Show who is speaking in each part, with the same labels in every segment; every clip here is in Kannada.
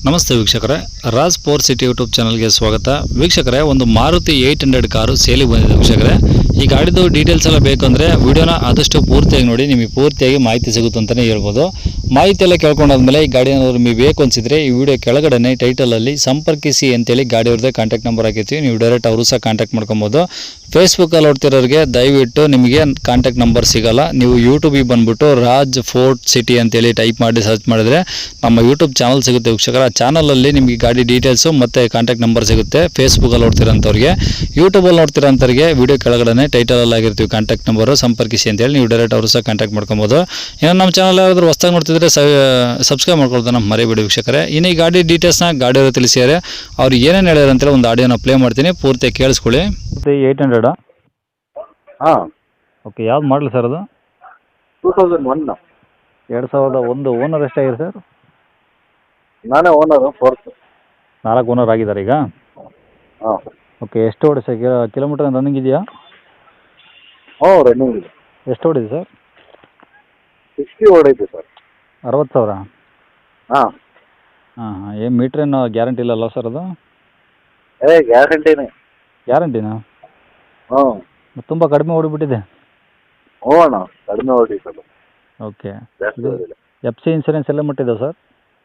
Speaker 1: ನಮಸ್ತೆ ವೀಕ್ಷಕರೇ, ರಾಜ್ ಪವರ್ ಸಿಟಿ ಯೂಟ್ಯೂಬ್ ಚಾನಲ್ಗೆ ಸ್ವಾಗತ. ವೀಕ್ಷಕರೇ, ಒಂದು ಮಾರುತಿ 800 ಕಾರು ಸೇಲಿಗೆ ಬಂದಿದೆ. ವೀಕ್ಷಕರೇ, ಈ ಗಾಡಿದು ಡೀಟೇಲ್ಸ್ ಎಲ್ಲ ಬೇಕಂದರೆ ವಿಡಿಯೋನ ಆದಷ್ಟು ಪೂರ್ತಿಯಾಗಿ ನೋಡಿ, ನಿಮಗೆ ಪೂರ್ತಿಯಾಗಿ ಮಾಹಿತಿ ಸಿಗುತ್ತೆ ಅಂತಲೇ ಹೇಳ್ಬೋದು. ಮಾಹಿತಿ ಎಲ್ಲ ಕೇಳ್ಕೊಂಡಾದ್ಮೇಲೆ ಈ ಗಾಡಿ ಏನಾದರೂ ನಿಮಗೆ ಬೇಕು ಅನಿಸಿದರೆ ಈ ವಿಡಿಯೋ ಕೆಳಗಡೆ ಟೈಟಲಲ್ಲಿ ಸಂಪರ್ಕಿಸಿ ಅಂತೇಳಿ ಗಾಡಿಯವ್ರದ್ದೇ ಕಾಂಟ್ಯಾಕ್ಟ್ ನಂಬರ್ ಹಾಕಿರ್ತೀವಿ. ನೀವು ಡೈರೆಕ್ಟ್ ಅವರು ಸಹ ಕಾಂಟ್ಯಾಕ್ಟ್ ಮಾಡ್ಕೊಬೋದು. ಫೇಸ್ಬುಕ್ಕಲ್ಲಿ ನೋಡ್ತಿರೋರಿಗೆ ದಯವಿಟ್ಟು ನಿಮಗೆ ಕಾಂಟ್ಯಾಕ್ಟ್ ನಂಬರ್ ಸಿಗೋಲ್ಲ. ನೀವು ಯೂಟ್ಯೂಬಿಗೆ ಬಂದುಬಿಟ್ಟು ರಾಜ್ ಫೋರ್ಟ್ ಸಿಟಿ ಅಂತೇಳಿ ಟೈಪ್ ಮಾಡಿ ಸರ್ಚ್ ಮಾಡಿದ್ರೆ ನಮ್ಮ ಯೂಟ್ಯೂಬ್ ಚಾನಲ್ ಸಿಗುತ್ತೆ ವೀಕ್ಷಕರ. ಆ ಚಾನಲಲ್ಲಿ ನಿಮಗೆ ಗಾಡಿ ಡೀಟೇಲ್ಸು ಮತ್ತು ಕಾಂಟ್ಯಾಕ್ಟ್ ನಂಬರ್ ಸಿಗುತ್ತೆ. ಫೇಸ್ಬುಕ್ಕಲ್ಲಿ ನೋಡ್ತಿರೋಂಥವ್ರಿಗೆ, ಯೂಟ್ಯೂಬಲ್ಲಿ ನೋಡ್ತಿರೋಂಥವ್ರಿಗೆ ವಿಡಿಯೋ ಕೆಳಗಡೆ ಟೈಟಲಲ್ಲಿ ಆಗಿರ್ತೀವಿ ಕಾಂಟ್ಯಾಕ್ಟ್ ನಂಬರು ಸಂಪರ್ಕಿಸಿ ಅಂತೇಳಿ ನೀವು ಡೈರೆಕ್ಟ್ ಅವರು ಸಹ ಕಾಂಟ್ಯಾಕ್ಟ್ ಮಾಡ್ಕೊಬೋದು. ಇನ್ನು ನಮ್ಮ ಚಾನಲ್ ಯಾರಾದರೂ ಹೊಸ್ದಾಗಿ ನೋಡ್ತಿದ್ರೆ ಸಬ್ಸ್ಕ್ರೈಬ್ ಮಾಡ್ಕೊಳ್ತಾನೆ ಮರಿಬೇಡಿ ವೀಕ್ಷಕರೇ. ಇನ್ನು ಈ ಗಾಡಿ ಡೀಟೇಲ್ಸ್ನ ಗಾಡಿಯವರು ತಿಳಿಸಿದ್ದಾರೆ. ಅವ್ರು ಏನೇನು ಹೇಳ್ಯಾರ ಅಂತೇಳಿ ಒಂದು ಆಡಿಯೋನ ಪ್ಲೇ ಮಾಡ್ತೀನಿ, ಪೂರ್ತಿ ಕೇಳಿಸ್ಕೊಳ್ಳಿ. 800
Speaker 2: ಹಾಂ,
Speaker 1: ಓಕೆ. ಯಾವ್ದು ಮಾಡಲಿ ಸರ್ ಅದು?
Speaker 2: 2001.
Speaker 1: 2001. ಓನರ್ ಎಷ್ಟಾಗಿದೆ ಸರ್?
Speaker 2: ನಾನೇ ಓನರು, ಫೋರ್ತ್.
Speaker 1: 4 ಓನರ್ ಆಗಿದ್ದಾರೆ ಈಗ.
Speaker 2: ಹಾಂ.
Speaker 1: ಓಕೆ. ಎಷ್ಟು ಓಡಿ ಸರ್? ಕಿಲೋಮೀಟರ್ ರನ್ನಿಂಗ್ ಇದೆಯಾ?
Speaker 2: ಹ್ಞೂ, ರನ್ನಿಂಗ್ ಇದೆ.
Speaker 1: ಎಷ್ಟು ಓಡಿದೆ ಸರ್?
Speaker 2: 60 ಓಡೈತೆ ಸರ್.
Speaker 1: 60,000?
Speaker 2: ಹಾಂ
Speaker 1: ಹಾಂ ಹಾಂ. ಏನು ಮೀಟ್ರ್ ಏನು ಗ್ಯಾರಂಟಿ ಇಲ್ಲಲ್ಲ ಸರ್ ಅದು?
Speaker 2: ಗ್ಯಾರಂಟಿನೇ.
Speaker 1: ಗ್ಯಾರಂಟಿನಾ?
Speaker 2: ಹ್ಞೂ.
Speaker 1: ತುಂಬ ಕಡಿಮೆ ಓಡಿಬಿಟ್ಟಿದೆ.
Speaker 2: ಹ್ಞೂ ಅಣ್ಣ, ಕಡಿಮೆ ಓಡೈತಲ್ಲ.
Speaker 1: ಓಕೆ.
Speaker 2: ಜಾಸ್ತಿ
Speaker 1: ಇದು
Speaker 2: ಓಡಿಲ್ಲ.
Speaker 1: FC ಇನ್ಸೂರೆನ್ಸ್ ಎಲ್ಲ ಮಟ್ಟಿದೆ ಸರ್?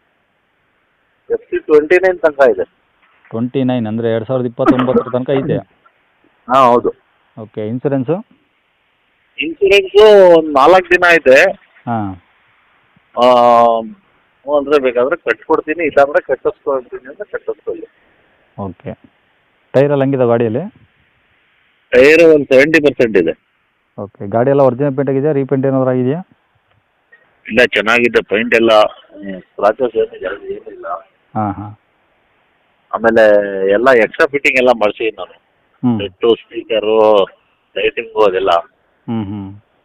Speaker 2: FC 29 ತನಕ ಇದೆ.
Speaker 1: 29 ಅಂದರೆ 2029 ತನಕ ಇದೆ.
Speaker 2: ಹಾಂ, ಹೌದು.
Speaker 1: ಓಕೆ. ಇನ್ಸೂರೆನ್ಸು?
Speaker 2: ಇನ್ಸೂರೆನ್ಸು ಒಂದು 4 ದಿನ ಇದೆ.
Speaker 1: ಹಾಂ.
Speaker 2: ಹ್ಞೂ ಅಂದರೆ ಬೇಕಾದರೆ ಕಟ್ಕೊಡ್ತೀನಿ, ಇಲ್ಲಾಂದರೆ ಕಟ್ಟಿಸ್ಕೊಳ್ತೀನಿ ಅಂದರೆ ಕಟ್ಟಿಸ್ಕೊಳ್ಳಿ.
Speaker 1: ಓಕೆ. ಟೈರೆಲ್ಲ ಹೆಂಗಿದೆ ಗಾಡಿಯಲ್ಲಿ?
Speaker 2: ಟೈರು ಒಂದು 70% ಇದೆ.
Speaker 1: ಓಕೆ. ಗಾಡಿ ಎಲ್ಲ ಒರಿಜಿನಲ್ ಪೇಂಟ್ ಆಗಿದೆಯಾ? ರೀಪೇಂಟ್ ಏನಾದರೂ ಆಗಿದೆಯಾ?
Speaker 2: ಇಲ್ಲ, ಚೆನ್ನಾಗಿದೆ. ಪೈಂಟ್ ಎಲ್ಲ ಸ್ಕ್ರಾಚಸ್ ಏನಿಲ್ಲ.
Speaker 1: ಹಾಂ ಹಾಂ.
Speaker 2: ಆಮೇಲೆ ಎಲ್ಲ ಎಕ್ಸ್ಟ್ರಾ ಫಿಟ್ಟಿಂಗ್ ಎಲ್ಲ ಮಾಡಿಸಿದ್ದೀನಿ ನಾನು.
Speaker 1: ಹ್ಞೂ
Speaker 2: ಸೆಟ್ಟು, ಸ್ಪೀಕರು, ಲೈಟಿಂಗು ಅದೆಲ್ಲ.
Speaker 1: ಹ್ಞೂ ಹ್ಞೂ.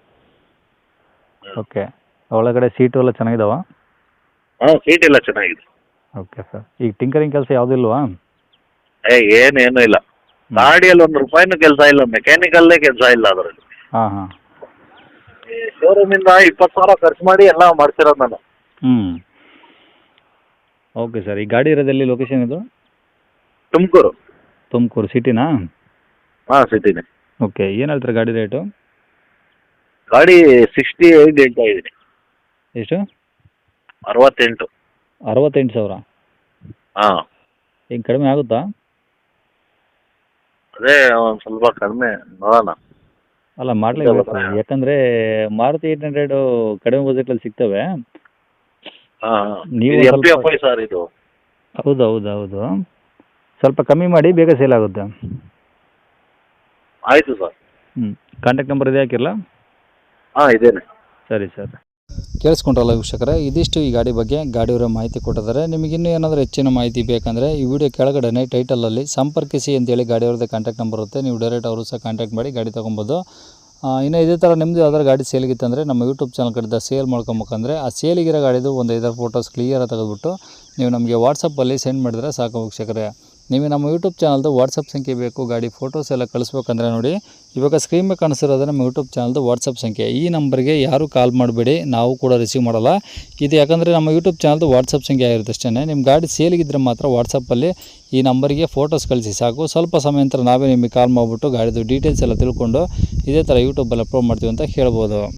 Speaker 1: ಓಕೆ. ಒಳಗಡೆ ಸೀಟು ಎಲ್ಲ ಚೆನ್ನಾಗಿದಾವ?
Speaker 2: ಹಾಂ, ಸೀಟ್ ಎಲ್ಲ ಚೆನ್ನಾಗಿದೆ.
Speaker 1: Okay sir. ಈಗ ಟಿಂಕರಿಂಗ್ ಕೆಲಸ ಯಾವುದೂ ಇಲ್ವಾ?
Speaker 2: ಏನೇನು ಇಲ್ಲ. ಗಾಡಿಯಲ್ಲಿ ₹1 ಕೆಲಸ ಇಲ್ಲ, ಮೆಕ್ಯಾನಿಕಲ್ಲೇ ಕೆಲಸ ಇಲ್ಲ ಅದರಲ್ಲಿ.
Speaker 1: ಹಾಂ ಹಾಂ.
Speaker 2: ಶೋರೂಮಿಂದ 20,000 ಖರ್ಚು ಮಾಡಿ ಎಲ್ಲ ಮಾಡ್ಸಿರೋದು ನಾನು.
Speaker 1: ಹ್ಞೂ. Okay sir. ಈ ಗಾಡಿ ಇರೋದೆಲ್ಲಿ ಲೊಕೇಶನ್ ಇದು?
Speaker 2: ತುಮಕೂರು.
Speaker 1: ತುಮಕೂರು ಸಿಟಿನಾ?
Speaker 2: ಹಾಂ, ಸಿಟಿನೇ.
Speaker 1: ಓಕೆ. ಏನು ಹೇಳ್ತಾರೆ ಗಾಡಿ ರೇಟು?
Speaker 2: ಗಾಡಿ 68 ಹೇಳ್ತಾ ಇದ್ದೀನಿ.
Speaker 1: ಎಷ್ಟು?
Speaker 2: 68.
Speaker 1: 68,000?
Speaker 2: ಹಾಂ.
Speaker 1: ಈಗ ಕಡಿಮೆ ಆಗುತ್ತಾ?
Speaker 2: ಅದೇ ಒಂದು ಸ್ವಲ್ಪ ಕಡಿಮೆ ನೋಡೋಣ.
Speaker 1: ಅಲ್ಲ, ಮಾಡಲೇಬೇಕು. ಯಾಕಂದರೆ ಮಾರುತಿ 800 ಕಡಿಮೆ ಬಜೆಟಲ್ಲಿ ಸಿಗ್ತವೆ.
Speaker 2: ಹಾಂ,
Speaker 1: ನೀವು
Speaker 2: ಇದು
Speaker 1: ಸ್ವಲ್ಪ
Speaker 2: MPFI ಸರ್ ಇದು.
Speaker 1: ಹೌದು ಹೌದು ಹೌದು. ಸ್ವಲ್ಪ ಕಮ್ಮಿ ಮಾಡಿ, ಬೇಗ ಸೇಲ್ ಆಗುತ್ತೆ.
Speaker 2: ಆಯಿತು ಸರ್.
Speaker 1: ಹ್ಞೂ. ಕಾಂಟ್ಯಾಕ್ಟ್ ನಂಬರ್ ಇದೆ, ಹಾಕಿರಲ್ಲ?
Speaker 2: ಹಾಂ, ಇದೇನೆ.
Speaker 1: ಸರಿ ಸರ್. ಕೇಳಿಸ್ಕೊಂಡ್ರಲ್ಲ ವೀಕ್ಷಕರೇ, ಇದಿಷ್ಟು ಈ ಗಾಡಿ ಬಗ್ಗೆ ಗಾಡಿಯವರ ಮಾಹಿತಿ ಕೊಟ್ಟಿದ್ದಾರೆ. ನಿಮಗಿನ್ನೂ ಏನಾದರೂ ಹೆಚ್ಚಿನ ಮಾಹಿತಿ ಬೇಕಂದರೆ ಈ ವಿಡಿಯೋ ಕೆಳಗಡೆ ಟೈಟಲಲ್ಲಿ ಸಂಪರ್ಕಿಸಿ ಅಂತೇಳಿ ಗಾಡಿಯವ್ರದ್ದು ಕಾಂಟ್ಯಾಕ್ಟ್ ನಂಬರ್ ಇರುತ್ತೆ. ನೀವು ಡೈರೆಕ್ಟ್ ಅವರು ಸಹ ಕಾಂಟ್ಯಾಕ್ಟ್ ಮಾಡಿ ಗಾಡಿ ತೊಗೊಬೋದು. ಇನ್ನು ಇದೇ ಥರ ನಿಮ್ಮದು ಯಾವ್ದಾದ್ರು ಗಾಡಿ ಸೇಲಿಗಿತ್ತಂದರೆ ನಮ್ಮ ಯೂಟ್ಯೂಬ್ ಚಾನಲ್ ಕಡೆದ ಸೇಲ್ ಮಾಡ್ಕೊಬೇಕಂದ್ರೆ ಆ ಸೇಲಿಗಿರೋ ಗಾಡಿದು ಒಂದು 5 ಫೋಟೋಸ್ ಕ್ಲಿಯರಾಗಿ ತೆಗೆದುಬಿಟ್ಟು ನೀವು ನಮಗೆ ವಾಟ್ಸಪ್ಪಲ್ಲಿ ಸೆಂಡ್ ಮಾಡಿದ್ರೆ ಸಾಕು ವೀಕ್ಷಕರೇ. ನೀವು ನಮ್ಮ ಯೂಟ್ಯೂಬ್ ಚಾನಲ್ದು ವಾಟ್ಸಪ್ ಸಂಖ್ಯೆ ಬೇಕು, ಗಾಡಿ ಫೋಟೋಸ್ ಎಲ್ಲ ಕಳಿಸ್ಬೇಕಂದ್ರೆ ನೋಡಿ, ಇವಾಗ ಸ್ಕ್ರೀನ್ ಮೇಲೆ ಕಾಣಿಸಿರೋದು ನಮ್ಮ ಯೂಟ್ಯೂಬ್ ಚಾನಲ್ದು ವಾಟ್ಸಪ್ ಸಂಖ್ಯೆ. ಈ ನಂಬರ್ಗೆ ಯಾರೂ ಕಾಲ್ ಮಾಡಬೇಡಿ, ನಾವು ಕೂಡ ರಿಸೀವ್ ಮಾಡಲ್ಲ ಇದು. ಯಾಕಂದರೆ ನಮ್ಮ ಯೂಟ್ಯೂಬ್ ಚಾನಲ್ದು ವಾಟ್ಸಪ್ ಸಂಖ್ಯೆ ಆಗಿರುತ್ತೆ ಅಷ್ಟೇ. ನಿಮ್ಮ ಗಾಡಿ ಸೇಲಿಗಿದ್ರೆ ಮಾತ್ರ ವಾಟ್ಸಪ್ಪಲ್ಲಿ ಈ ನಂಬರಿಗೆ ಫೋಟೋಸ್ ಕಳಿಸಿ ಸಾಕು. ಸ್ವಲ್ಪ ಸಮಯ ನಂತರ ನಾವೇ ನಿಮಗೆ ಕಾಲ್ ಮಾಡಿಬಿಟ್ಟು ಗಾಡಿದು ಡೀಟೇಲ್ಸ್ ಎಲ್ಲ ತಿಳ್ಕೊಂಡು ಇದೇ ಥರ ಯೂಟ್ಯೂಬಲ್ಲಿ ಅಪ್ಲೋಡ್ ಮಾಡ್ತೀವಿ ಅಂತ ಹೇಳ್ಬೋದು.